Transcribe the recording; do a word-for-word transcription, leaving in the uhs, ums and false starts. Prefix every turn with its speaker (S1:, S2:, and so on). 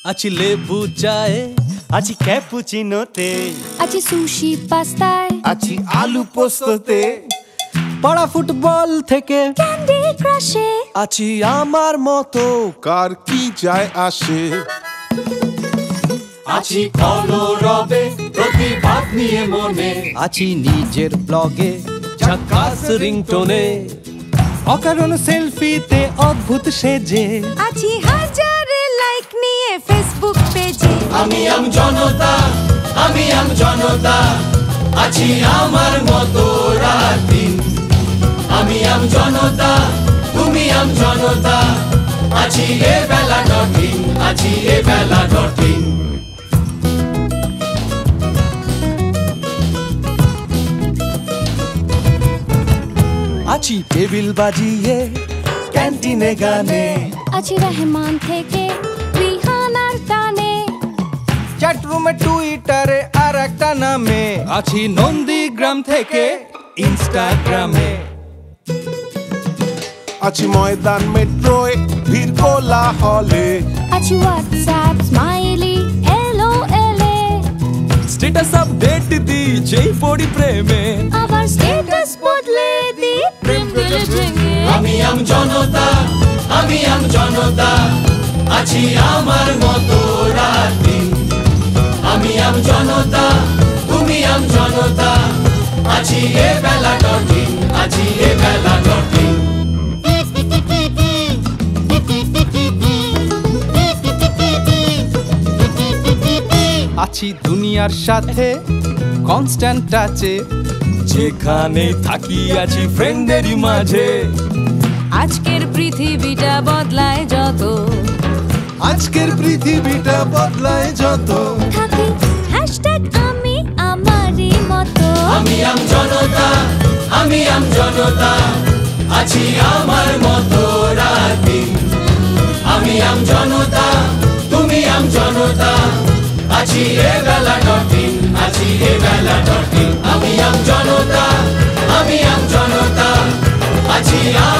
S1: আছি লেবু চায়ে, আছি ক্যাপুচিনোতে,
S2: আছি সুশি পাস্তায়,
S3: আছি আলু পোস্ততে,
S1: পাড়া ফুটবল থেকে
S2: ক্যান্ডি ক্রাশে,
S1: আছি আমার মতো
S3: কার কি যায় আসে।
S4: আছি কলরবে প্রতিভাব নিয়ে মনে,
S1: আছি নিজের ব্লগে ঝাকাস রিংটোনে, অকারণ সেলফিতে অদ্ভুত সেজে,
S2: আছি হাজারে লাইক নিয়ে ফেসবুক পেজে।
S4: আমি আম জনতা, আমি আম জনতা, আছি আমার মতো রাত দিন। আমি আম জনতা, তুমি আম জনতা, আছি এ বেলা ডটিং, আছি এ বেলা ডটিং।
S1: আছি টেবিল বাজিয়ে ক্যান্টিনে গানে,
S2: আছি রহমান থেকে রিহানার টানে,
S1: চ্যাটরুমে টুইটারে আর একটা নামে, আছি নন্দীগ্রাম থেকে ইনস্টাগ্রামে,
S3: আছি ময়দান মেট্রোয় ভিড় কোলা হলে,
S2: আছি হোয়াটসঅ্যাপ স্মাইলি এলো এলে,
S1: স্ট্যাটাস আপডেট দি যেই পড়ি প্রেমে,
S2: আবার স্ট্যাটাস বদলে দি প্রেম দিলে ভেঙে।
S4: আমি আম জনতা, আমি আম জনতা, আছি আমার মতো রাত দিন। আমি আম জনতা, তুমি আম জনতা, আছি এ বেলা ডটিং, আছি এ বেলা ডটিং।
S1: আছি দুনিয়ার সাথে কনস্ট্যান্ট টাচে, যেখানে থাকি আছি ফ্রেন্ডেরই মাঝে,
S2: আজকের পৃথিবীটা বদলায় যত,
S1: আজকের পৃথিবীটা বদলায় যত,
S2: থাকি হ্যাশট্যাগ আমি আমারই মতো।
S4: আমি আম জনতা, আমি আম জনতা, আছি আমার মতো রাত দিন। আমি আম জনতা, তুমি আম জনতা, আছি এ বেলা ডটিং, আছি এ বেলা ডটিং। আমি আম জনতা, আমি আম জনতা, আছি